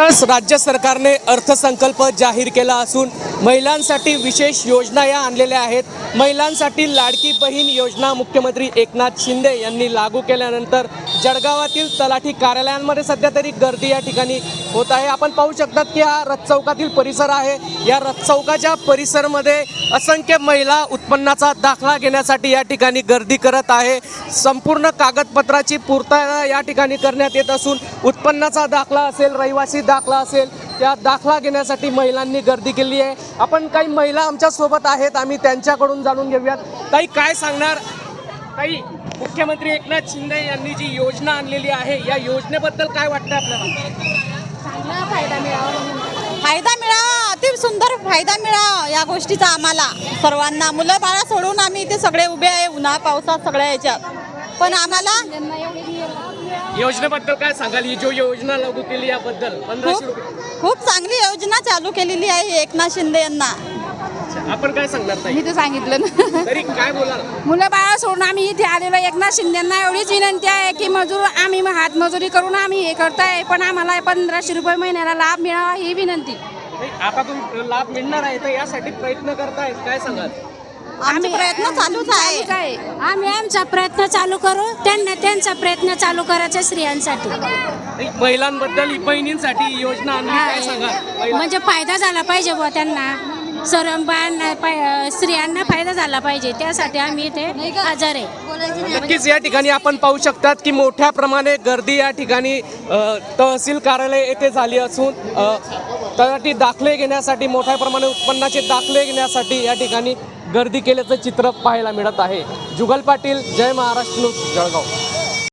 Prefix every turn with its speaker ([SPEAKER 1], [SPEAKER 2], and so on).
[SPEAKER 1] नुकताच राज्य सरकारने अर्थसंकल्प जाहीर केला असून महिलांसाठी विशेष योजना या आणलेल्या आहेत। महिलांसाठी लाडकी बहीण योजना मुख्यमंत्री एकनाथ शिंदे यांनी लागू केल्यानंतर जळगावातील तलाठी कार्यालयांमध्ये सध्या तरी गर्दी या ठिकाणी होत आहे। आपण पाहू शकतात की हा रथचौकातील परिसर आहे। या रथचौकाच्या परिसरामध्ये असंख्य महिला उत्पन्नाचा दाखला घेण्यासाठी या ठिकाणी गर्दी करत आहे। संपूर्ण कागदपत्राची पूर्तता या ठिकाणी करण्यात येत असून उत्पन्नाचा दाखला असेल, रहिवासी दाखला असेल, त्या दाखला घेण्यासाठी महिलांनी गर्दी केली आहे। आपण काही महिला आमच्या सोबत आहेत, आम्ही त्यांच्याकडून जाणून घेऊयात। ताई, काय सांगणार? ताई, मुख्यमंत्री एकनाथ शिंदे यांनी जी योजना आणलेली आहे या योजनेबद्दल काय वाटतं आपल्याला?
[SPEAKER 2] चांगला फायदा मिळावा, अति सुंदर फायदा मिळावा या गोष्टीचा आम्हाला सर्वांना। मुलं बाळा सोडून आम्ही इथे सगळे उभे आहे उन्हा पावसात सगळ्या याच्यात, पण आम्हाला
[SPEAKER 1] योजनेबद्दल काय सांगाल? ही जो योजना लागू केली याबद्दल 1500 रुपये
[SPEAKER 2] खूप चांगली योजना चालू केलेली आहे एकनाथ शिंदे यांना।
[SPEAKER 1] आपण काय सांगणार ताई?
[SPEAKER 3] मी तर सांगितलं ना,
[SPEAKER 1] तरी काय बोलाल?
[SPEAKER 3] मुलं बाळा सोडून आम्ही इथे आलेलो एकनाथ शिंदेंना एवढीच विनंती आहे की आम्ही हातमजुरी करून आम्ही हे करताय, पण आम्हाला 1500 रुपये महिन्याला लाभ मिळावा ही विनंती।
[SPEAKER 1] आता तुम्ही लाभ मिळणार आहे तर यासाठी प्रयत्न करताय, काय सांगाल?
[SPEAKER 2] आम्ही प्रयत्न चालूच आहे।
[SPEAKER 3] काय
[SPEAKER 4] आम्ही आमचा प्रयत्न चालू करू, त्यांना त्यांचा प्रयत्न चालू करायचा स्त्रियांसाठी,
[SPEAKER 1] महिलांबद्दल, बहिणींसाठी ही योजना आणली, काय सांगाल?
[SPEAKER 4] म्हणजे फायदा झाला पाहिजे बुवा त्यांना, सर्व बायांना स्त्रियांना फायदा झाला पाहिजे, त्यासाठी आम्ही इथे हजर आहे।
[SPEAKER 1] नक्कीच या ठिकाणी आपण पाहू शकतात की मोठ्या प्रमाणे गर्दी या ठिकाणी तहसील कार्यालय येथे झाली असून तलाठी दाखले घेण्यासाठी, मोठ्या प्रमाणे उत्पन्नाचे दाखले घेण्यासाठी या ठिकाणी गर्दी केल्याचं चित्र पाहायला मिळत आहे। जुगल पाटील, जय महाराष्ट्र न्यूज, जळगाव।